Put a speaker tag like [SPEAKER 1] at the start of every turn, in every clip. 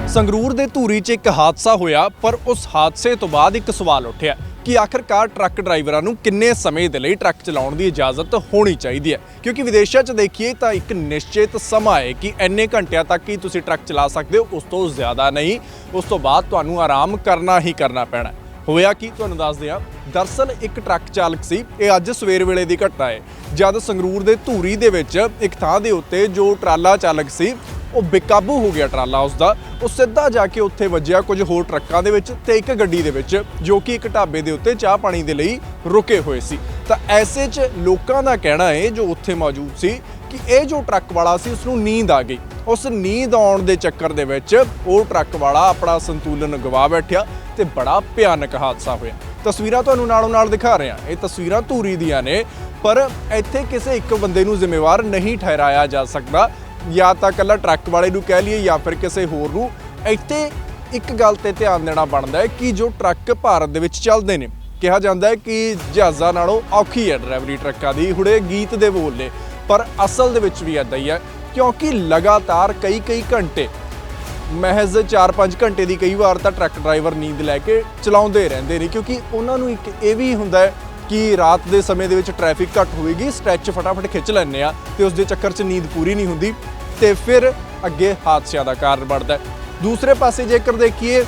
[SPEAKER 1] ਸੰਗਰੂਰ ਦੇ ਧੂਰੀ 'ਚ ਇੱਕ ਹਾਦਸਾ ਹੋਇਆ, ਪਰ ਉਸ ਹਾਦਸੇ ਤੋਂ ਬਾਅਦ ਇੱਕ ਸਵਾਲ ਉੱਠਿਆ ਕਿ ਆਖਰਕਾਰ ਟਰੱਕ ਡਰਾਈਵਰਾਂ ਨੂੰ ਕਿੰਨੇ ਸਮੇਂ ਦੇ ਲਈ ਟਰੱਕ ਚਲਾਉਣ ਦੀ ਇਜਾਜ਼ਤ ਹੋਣੀ ਚਾਹੀਦੀ ਹੈ। ਕਿਉਂਕਿ ਵਿਦੇਸ਼ਾਂ 'ਚ ਦੇਖੀਏ ਤਾਂ ਇੱਕ ਨਿਸ਼ਚਿਤ ਸਮਾਂ ਹੈ ਕਿ ਇੰਨੇ ਘੰਟਿਆਂ ਤੱਕ ਹੀ ਤੁਸੀਂ ਟਰੱਕ ਚਲਾ ਸਕਦੇ ਹੋ, ਉਸ ਤੋਂ ਜ਼ਿਆਦਾ ਨਹੀਂ। ਉਸ ਤੋਂ ਬਾਅਦ ਤੁਹਾਨੂੰ ਆਰਾਮ ਕਰਨਾ ਹੀ ਕਰਨਾ ਪੈਣਾ। ਹੋਇਆ ਕੀ ਤੁਹਾਨੂੰ ਦੱਸਦੇ ਹਾਂ। ਦਰਅਸਲ ਇੱਕ ਟਰੱਕ ਚਾਲਕ ਸੀ, ਇਹ ਅੱਜ ਸਵੇਰ ਵੇਲੇ ਦੀ ਘਟਨਾ ਹੈ, ਜਦ ਸੰਗਰੂਰ ਦੇ ਧੂਰੀ ਦੇ ਵਿੱਚ ਇੱਕ ਥਾਂ ਦੇ ਉੱਤੇ ਜੋ ਟਰਾਲਾ ਚਾਲਕ ਸੀ ਉਹ ਬੇਕਾਬੂ ਹੋ ਗਿਆ। ਟਰਾਲਾ ਉਸਦਾ ਉਹ ਸਿੱਧਾ ਜਾ ਕੇ ਉੱਥੇ ਵੱਜਿਆ ਕੁਝ ਹੋਰ ਟਰੱਕਾਂ ਦੇ ਵਿੱਚ ਤੇ ਇੱਕ ਗੱਡੀ ਦੇ ਵਿੱਚ, ਜੋ ਕਿ ਇੱਕ ਢਾਬੇ ਦੇ ਉੱਤੇ ਚਾਹ ਪਾਣੀ ਦੇ ਲਈ ਰੁਕੇ ਹੋਏ ਸੀ। ਤਾਂ ਐਸੇ 'ਚ ਲੋਕਾਂ ਦਾ ਕਹਿਣਾ ਹੈ ਜੋ ਉੱਥੇ ਮੌਜੂਦ ਸੀ ਕਿ ਇਹ ਜੋ ਟਰੱਕ ਵਾਲਾ ਸੀ ਉਸ ਨੂੰ ਨੀਂਦ ਆ ਗਈ। ਉਸ ਨੀਂਦ ਆਉਣ ਦੇ ਚੱਕਰ ਦੇ ਵਿੱਚ ਉਹ ਟਰੱਕ ਵਾਲਾ ਆਪਣਾ ਸੰਤੁਲਨ ਗਵਾ ਬੈਠਿਆ ਤੇ ਬੜਾ ਭਿਆਨਕ ਹਾਦਸਾ ਹੋਇਆ। ਤਸਵੀਰਾਂ ਤੁਹਾਨੂੰ ਨਾਲੋਂ ਨਾਲ ਦਿਖਾ ਰਹੇ ਹਾਂ। ਇਹ ਤਸਵੀਰਾਂ ਧੂਰੀ ਦੀਆਂ ਨੇ, ਪਰ ਇੱਥੇ ਕਿਸੇ ਇੱਕ ਬੰਦੇ ਨੂੰ ਜ਼ਿੰਮੇਵਾਰ ਨਹੀਂ ਠਹਿਰਾਇਆ ਜਾ ਸਕਦਾ, ਜਾਂ ਤਾਂ ਇਕੱਲਾ ਟਰੱਕ ਵਾਲੇ ਨੂੰ ਕਹਿ ਲਈਏ ਜਾਂ ਫਿਰ ਕਿਸੇ ਹੋਰ ਨੂੰ। ਇੱਥੇ ਇੱਕ ਗੱਲ ਤੇ ਧਿਆਨ ਦੇਣਾ ਬਣਦਾ ਹੈ ਕਿ ਜੋ ਟਰੱਕ ਭਾਰਤ ਦੇ ਵਿੱਚ ਚੱਲਦੇ ਨੇ, ਕਿਹਾ ਜਾਂਦਾ ਹੈ ਕਿ ਜਹਾਜ਼ਾਂ ਨਾਲੋਂ ਔਖੀ ਹੈ ਡਰਾਈਵਰੀ ਟਰੱਕਾਂ ਦੀ। ਹੁਣੇ ਗੀਤ ਦੇ ਬੋਲ ਨੇ, ਪਰ ਅਸਲ ਦੇ ਵਿੱਚ ਵੀ ਇੱਦਾਂ ਹੀ ਹੈ, ਕਿਉਂਕਿ ਲਗਾਤਾਰ ਕਈ ਘੰਟੇ, ਮਹਿਜ਼ 4-5 ਘੰਟੇ ਦੀ ਕਈ ਵਾਰ ਤਾਂ ਟਰੱਕ ਡਰਾਈਵਰ ਨੀਂਦ ਲੈ ਕੇ ਚਲਾਉਂਦੇ ਰਹਿੰਦੇ ਨੇ। ਕਿਉਂਕਿ ਉਹਨਾਂ ਨੂੰ ਇੱਕ ਇਹ ਵੀ ਹੁੰਦਾ ਹੈ ਕਿ ਰਾਤ ਦੇ ਸਮੇਂ ਦੇ ਵਿੱਚ ਟ੍ਰੈਫਿਕ ਘੱਟ ਹੋਵੇਗੀ, ਸਟ੍ਰੈਚ ਫਟਾਫਟ ਖਿੱਚ ਲੈਂਦੇ ਆ ਤੇ ਉਸ ਦੇ ਚੱਕਰ 'ਚ ਨੀਂਦ ਪੂਰੀ ਨਹੀਂ ਹੁੰਦੀ ਤੇ ਫਿਰ ਅੱਗੇ ਹਾਦਸਿਆਂ ਦਾ ਕਾਰਨ ਬਣਦਾ ਹੈ। ਦੂਸਰੇ ਪਾਸੇ ਜੇਕਰ ਦੇਖੀਏ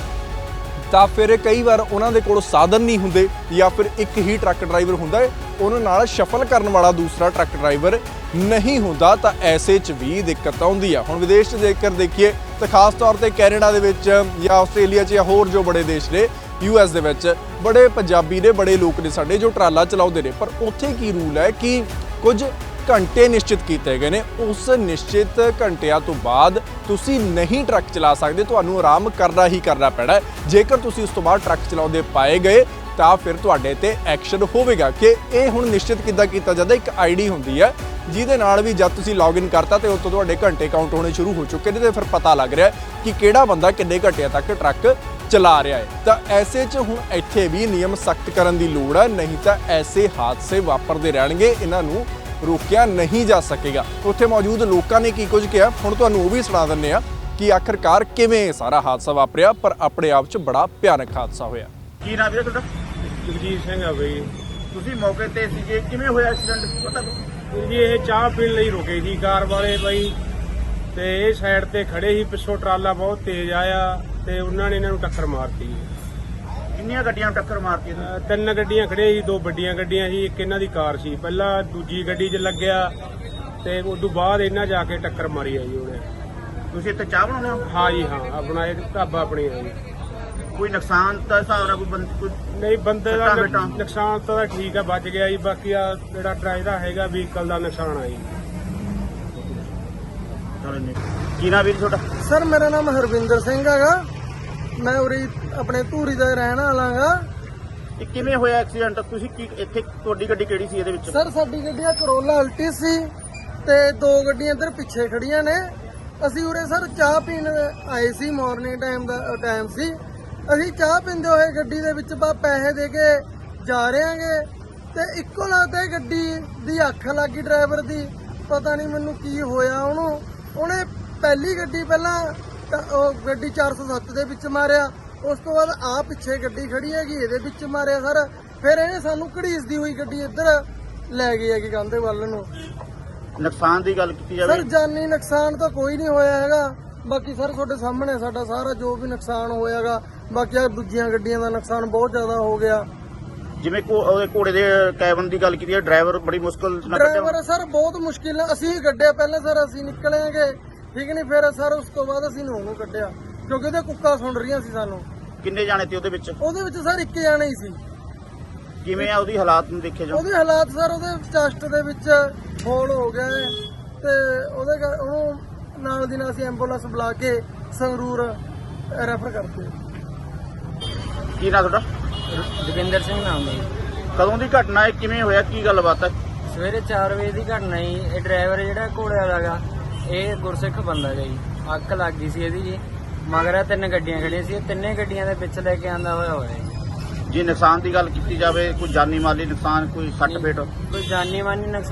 [SPEAKER 1] ਤਾਂ ਫਿਰ ਕਈ ਵਾਰ ਉਹਨਾਂ ਦੇ ਕੋਲ ਸਾਧਨ ਨਹੀਂ ਹੁੰਦੇ, ਜਾਂ ਫਿਰ ਇੱਕ ਹੀ ਟਰੱਕ ਡਰਾਈਵਰ ਹੁੰਦਾ ਹੈ, ਉਹਨਾਂ ਨਾਲ ਸ਼ਫਲ ਕਰਨ ਵਾਲਾ ਦੂਸਰਾ ਟਰੱਕ ਡਰਾਈਵਰ ਨਹੀਂ ਹੁੰਦਾ, ਤਾਂ ਐਸੇ 'ਚ ਵੀ ਦਿੱਕਤ ਆਉਂਦੀ ਆ। ਹੁਣ ਵਿਦੇਸ਼ 'ਚ ਜੇਕਰ ਦੇਖੀਏ ਤਾਂ ਖਾਸ ਤੌਰ ਤੇ ਕੈਨੇਡਾ ਦੇ ਵਿੱਚ ਜਾਂ ਆਸਟ੍ਰੇਲੀਆ 'ਚ ਜਾਂ ਹੋਰ ਜੋ ਬੜੇ ਦੇਸ਼ ਨੇ, US ਦੇ ਵਿੱਚ ਬੜੇ ਪੰਜਾਬੀ ਨੇ, ਬੜੇ ਲੋਕ ਨੇ ਸਾਡੇ ਜੋ ਟਰਾਲਾ ਚਲਾਉਂਦੇ ਨੇ। ਪਰ ਉੱਥੇ ਕੀ ਰੂਲ ਹੈ ਕਿ ਕੁਝ ਘੰਟੇ ਨਿਸ਼ਚਿਤ ਕੀਤੇ ਗਏ ਨੇ, ਉਸ ਨਿਸ਼ਚਿਤ ਘੰਟਿਆਂ ਤੋਂ ਬਾਅਦ ਤੁਸੀਂ ਨਹੀਂ ਟਰੱਕ ਚਲਾ ਸਕਦੇ, ਤੁਹਾਨੂੰ ਆਰਾਮ ਕਰਨਾ ਹੀ ਕਰਨਾ ਪੈਣਾ। ਜੇਕਰ ਤੁਸੀਂ ਉਸ ਤੋਂ ਬਾਅਦ ਟਰੱਕ ਚਲਾਉਂਦੇ ਪਾਏ ਗਏ ਤਾਂ ਫਿਰ ਤੁਹਾਡੇ ਤੇ ਐਕਸ਼ਨ ਹੋਵੇਗਾ। ਕਿ ਇਹ ਹੁਣ ਨਿਸ਼ਚਿਤ ਕਿੱਦਾਂ ਕੀਤਾ ਜਾਂਦਾ, ਇੱਕ ID ਹੁੰਦੀ ਹੈ ਜਿਹਦੇ ਨਾਲ ਵੀ ਜਦ ਤੁਸੀਂ ਲੌਗਇਨ ਕਰਤਾ ਤੇ ਉਸ ਤੋਂ ਤੁਹਾਡੇ ਘੰਟੇ ਕਾਊਂਟ ਹੋਣੇ ਸ਼ੁਰੂ ਹੋ ਚੁੱਕੇ ਨੇ ਤੇ ਫਿਰ ਪਤਾ ਲੱਗ ਰਿਹਾ ਕਿ ਕਿਹੜਾ ਬੰਦਾ ਕਿੰਨੇ ਘੰਟਿਆਂ ਤੱਕ ਟਰੱਕ ਚਲਾ ਰਿਹਾ ਹੈ। ਤਾਂ ਐਸੇ 'ਚ ਹੁਣ ਇੱਥੇ ਵੀ ਨਿਯਮ ਸਖਤ ਕਰਨ ਦੀ ਲੋੜ ਹੈ, ਨਹੀਂ ਤਾਂ ਐਸੇ ਹਾਦਸੇ ਵਾਪਰਦੇ ਰਹਿਣਗੇ, ਇਹਨਾਂ ਨੂੰ ਰੋਕਿਆ ਨਹੀਂ ਜਾ ਸਕੇਗਾ। ਉੱਥੇ ਮੌਜੂਦ ਲੋਕਾਂ ਨੇ ਕੀ ਕੁਝ ਕਿਹਾ, ਹੁਣ ਤੁਹਾਨੂੰ ਉਹ ਵੀ ਸੁਣਾ ਦਿੰਦੇ ਆ ਕਿ ਆਖਰਕਾਰ ਕਿਵੇਂ ਸਾਰਾ ਹਾਦਸਾ ਵਾਪਰਿਆ, ਪਰ ਆਪਣੇ ਆਪ 'ਚ ਬੜਾ ਭਿਆਨਕ ਹਾਦਸਾ ਹੋਇਆ।
[SPEAKER 2] ਕੀ ਨਾਮ ਹੈ ਤੁਹਾਡਾ?
[SPEAKER 3] ਜਗਜੀਤ ਸਿੰਘ ਆ ਬਈ।
[SPEAKER 2] ਤੁਸੀਂ ਮੌਕੇ ਤੇ ਸੀਗੇ, ਕਿਵੇਂ ਹੋਇਆ ਐਕਸੀਡੈਂਟ ਪਤਾ?
[SPEAKER 3] ਜੀ ਇਹ ਚਾਹ ਪੀਣ ਲਈ ਰੁਕੇ ਸੀ ਕਾਰ ਵਾਲੇ ਬਈ, ਤੇ ਇਹ ਸਾਈਡ ਤੇ ਖੜੇ ਸੀ, ਪਿੱਛੋਂ ਟਰਾਲਾ ਬਹੁਤ ਤੇਜ਼ ਆਇਆ ਤੇ ਉਹਨਾਂ ਨੇ ਇਹਨਾਂ ਨੂੰ ਟੱਕਰ ਮਾਰਤੀ।
[SPEAKER 2] ਕਿੰਨੀਆਂ ਗੱਡੀਆਂ ਨੂੰ ਟੱਕਰ ਮਾਰਤੀ?
[SPEAKER 3] 3 ਗੱਡੀਆਂ ਖੜੀਆਂ ਸੀ, 2 ਵੱਡੀਆਂ ਗੱਡੀਆਂ ਸੀ, ਇੱਕ ਇਹਨਾਂ ਦੀ ਕਾਰ ਸੀ। ਪਹਿਲਾਂ ਦੂਜੀ ਗੱਡੀ 'ਚ ਲੱਗਿਆ ਤੇ ਉਸ ਤੋਂ ਬਾਅਦ ਇਹਨਾਂ ਜਾ ਕੇ ਟੱਕਰ ਮਾਰੀ ਆ ਜੀ ਉਹਨੇ।
[SPEAKER 2] ਤੁਸੀਂ ਇੱਥੇ ਚਾਹ ਬਣਾਉਂਦੇ ਹੋ?
[SPEAKER 3] ਹਾਂ ਜੀ ਹਾਂ, ਆਪਣਾ ਇਹ ਢਾਬਾ ਆਪਣੀ ਆ ਜੀ।
[SPEAKER 2] ਕੋਈ ਨੁਕਸਾਨ ਤਾਂ ਹਿਸਾਬ ਨਾਲ ਕੋਈ
[SPEAKER 3] ਨਹੀਂ, ਬੰਦੇ ਦਾ
[SPEAKER 2] ਬੇਟਾ
[SPEAKER 3] ਨੁਕਸਾਨ ਤਾਂ ਠੀਕ ਆ, ਬਚ ਗਿਆ ਜੀ। ਬਾਕੀ ਆ ਜਿਹੜਾ ਡਰਾਈਵਰ ਹੈਗਾ ਵਹੀਕਲ ਦਾ ਨੁਕਸਾਨ ਆ ਜੀ।
[SPEAKER 2] ਕੀ ਨਾਮ ਵੀਰ ਤੁਹਾਡਾ?
[SPEAKER 4] ਸਰ ਮੇਰਾ ਨਾਮ ਹਰਵਿੰਦਰ ਸਿੰਘ ਹੈਗਾ, ਮੈਂ ਉਰੇ ਆਪਣੇ ਧੂਰੀ ਦਾ ਰਹਿਣ ਵਾਲਾ ਗਾ।
[SPEAKER 2] ਇਹ ਕਿਵੇਂ ਹੋਇਆ ਐਕਸੀਡੈਂਟ? ਤੁਸੀਂ ਕੀ ਇੱਥੇ, ਤੁਹਾਡੀ ਗੱਡੀ ਕਿਹੜੀ ਸੀ ਇਹਦੇ ਵਿੱਚ?
[SPEAKER 4] ਸਰ ਸਾਡੀ ਗੱਡੀ ਆ ਕਰੋਲਾ ਅਲਟੀ ਸੀ ਤੇ 2 ਗੱਡੀਆਂ ਇੱਧਰ ਪਿੱਛੇ ਖੜੀਆਂ ਨੇ। ਅਸੀਂ ਉਰੇ ਸਰ ਚਾਹ ਪੀਣ ਆਏ ਸੀ, ਮਾਰਨਿੰਗ ਟਾਈਮ ਸੀ। ਅਸੀਂ ਚਾਹ ਪੀਂਦੇ ਹੋਏ ਗੱਡੀ ਦੇ ਵਿੱਚ ਪੈਸੇ ਦੇ ਕੇ ਜਾ ਰਹੇ ਆਂਗੇ ਤੇ ਇੱਕੋ ਲੱਗਦਾ ਗੱਡੀ ਦੀ ਅੱਖ ਲੱਗੀ ਡਰਾਈਵਰ ਦੀ, ਪਤਾ ਨਹੀਂ ਮੈਨੂੰ ਕੀ ਹੋਇਆ ਉਹਨੂੰ। ਉਹਨੇ ਪਹਿਲੀ ਗੱਡੀ ਪਹਿਲਾਂ ਉਹ ਗੱਡੀ 407 ਦੇ ਵਿੱਚ ਮਾਰਿਆ, ਉਸ ਤੋਂ ਬਾਅਦ ਆ ਪਿੱਛੇ ਗੱਡੀ ਖੜੀ ਹੈਗੀ ਇਹਦੇ ਵਿੱਚ ਮਾਰਿਆ ਸਰ। ਫਿਰ ਇਹਨੇ ਸਾਨੂੰ ਘੜੀਸਦੀ ਹੋਈ ਗੱਡੀ ਇੱਧਰ ਲੈ ਗਈ ਹੈਗੀ ਕੰਧੇ ਵੱਲ ਨੂੰ।
[SPEAKER 2] ਨੁਕਸਾਨ ਦੀ ਗੱਲ ਕੀਤੀ ਜਾਵੇ
[SPEAKER 4] ਸਰ ਜਾਨੀ ਨੁਕਸਾਨ ਤਾਂ ਕੋਈ ਨਹੀਂ ਹੋਇਆ ਹੈਗਾ, ਬਾਕੀ ਸਰ ਤੁਹਾਡੇ ਸਾਹਮਣੇ ਸਾਡਾ ਸਾਰਾ ਜੋ ਵੀ ਨੁਕਸਾਨ ਹੋਇਆਗਾ। ਬਾਕੀ ਆ ਦੂਜੀਆਂ ਗੱਡੀਆਂ ਦਾ ਨੁਕਸਾਨ ਬਹੁਤ ਜ਼ਿਆਦਾ ਹੋ ਗਿਆ।
[SPEAKER 2] ਜਿਵੇਂ ਉਹਦੇ ਘੋੜੇ ਦੇ ਕੈਬਨ ਦੀ ਗੱਲ ਕੀਤੀ ਹੈ, ਡਰਾਈਵਰ ਬੜੀ ਮੁਸ਼ਕਲ ਨਾਲ
[SPEAKER 4] ਡਰਾਈਵਰ ਸਰ ਬਹੁਤ ਮੁਸ਼ਕਿਲ ਨਾਲ ਅਸੀਂ ਗੱਡੇ ਪਹਿਲਾਂ ਸਰ ਅਸੀਂ ਨਿਕਲੇਂਗੇ, ਠੀਕ ਨਹੀਂ, ਫਿਰ ਸਰ ਉਸ ਤੋਂ ਬਾਅਦ ਅਸੀਂ ਉਹਨੂੰ ਕੱਢਿਆ ਕਿਉਂਕਿ ਉਹਦੇ ਕੁੱਕਾ ਸੁਣ ਰਹੀਆਂ ਸੀ ਸਾਨੂੰ।
[SPEAKER 2] ਕਿੰਨੇ ਜਾਣੇ ਤੇ ਉਹਦੇ ਵਿੱਚ?
[SPEAKER 4] ਉਹਦੇ ਵਿੱਚ ਸਰ 1 ਜਾਣਾ ਹੀ ਸੀ।
[SPEAKER 2] ਕਿਵੇਂ ਆ ਉਹਦੀ ਹਾਲਾਤ ਨੂੰ ਦੇਖਿਆ ਜਾਓ?
[SPEAKER 4] ਉਹਦੇ ਹਾਲਾਤ ਸਰ ਉਹਦੇ ਚੈਸਟ ਦੇ ਵਿੱਚ ਹੋਲ ਹੋ ਗਿਆ ਤੇ ਉਹਨੂੰ ਨਾਲ ਦੀ ਨਾਲ ਅਸੀਂ ਐਂਬੂਲੈਂਸ ਬੁਲਾ ਕੇ ਸੰਗਰੂਰ ਰੈਫਰ ਕਰਤੇ।
[SPEAKER 2] ਕੀ ਨਾਮ ਤੁਹਾਡਾ?
[SPEAKER 5] ਜੋਗਿੰਦਰ ਸਿੰਘ ਨਾਮ ਦਾ ਜੀ।
[SPEAKER 2] ਕਦੋਂ ਦੀ ਘਟਨਾ ਹੈ, ਕਿਵੇਂ ਹੋਇਆ, ਕੀ ਗੱਲਬਾਤ ਹੈ?
[SPEAKER 5] ਸਵੇਰੇ 4 ਵਜੇ ਦੀ ਘਟਨਾ ਜੀ। ਇਹ ਡਰਾਈਵਰ ਜਿਹੜਾ ਘੋੜੇ ਵਾਲਾ ਗਾ, ਇਹ ਗੁਰਸਿੱਖ ਬੰਦਾ ਗਾ ਜੀ। ਅੱਗ ਲੱਗ ਗਈ ਸੀ ਇਹਦੀ ਜੀ। ਮਗਰ 3 ਗੱਡੀਆਂ ਖੜੀਆਂ ਸੀ, 3 ਗੱਡੀਆਂ ਦੇ ਵਿੱਚ ਲੈ ਕੇ ਆਂਦਾ ਹੋਇਆ ਜੀ।
[SPEAKER 2] ਜੇ ਨੁਕਸਾਨ ਦੀ ਗੱਲ ਕੀਤੀ ਜਾਵੇ, ਕੋਈ ਜਾਨੀ ਮਾਲੀ ਨੁਕਸਾਨ, ਕੋਈ ਸੱਟ ਫੇਟ?
[SPEAKER 5] ਕੋਈ ਜਾਨੀ ਮਾਨੀ ਨੁਕਸਾਨ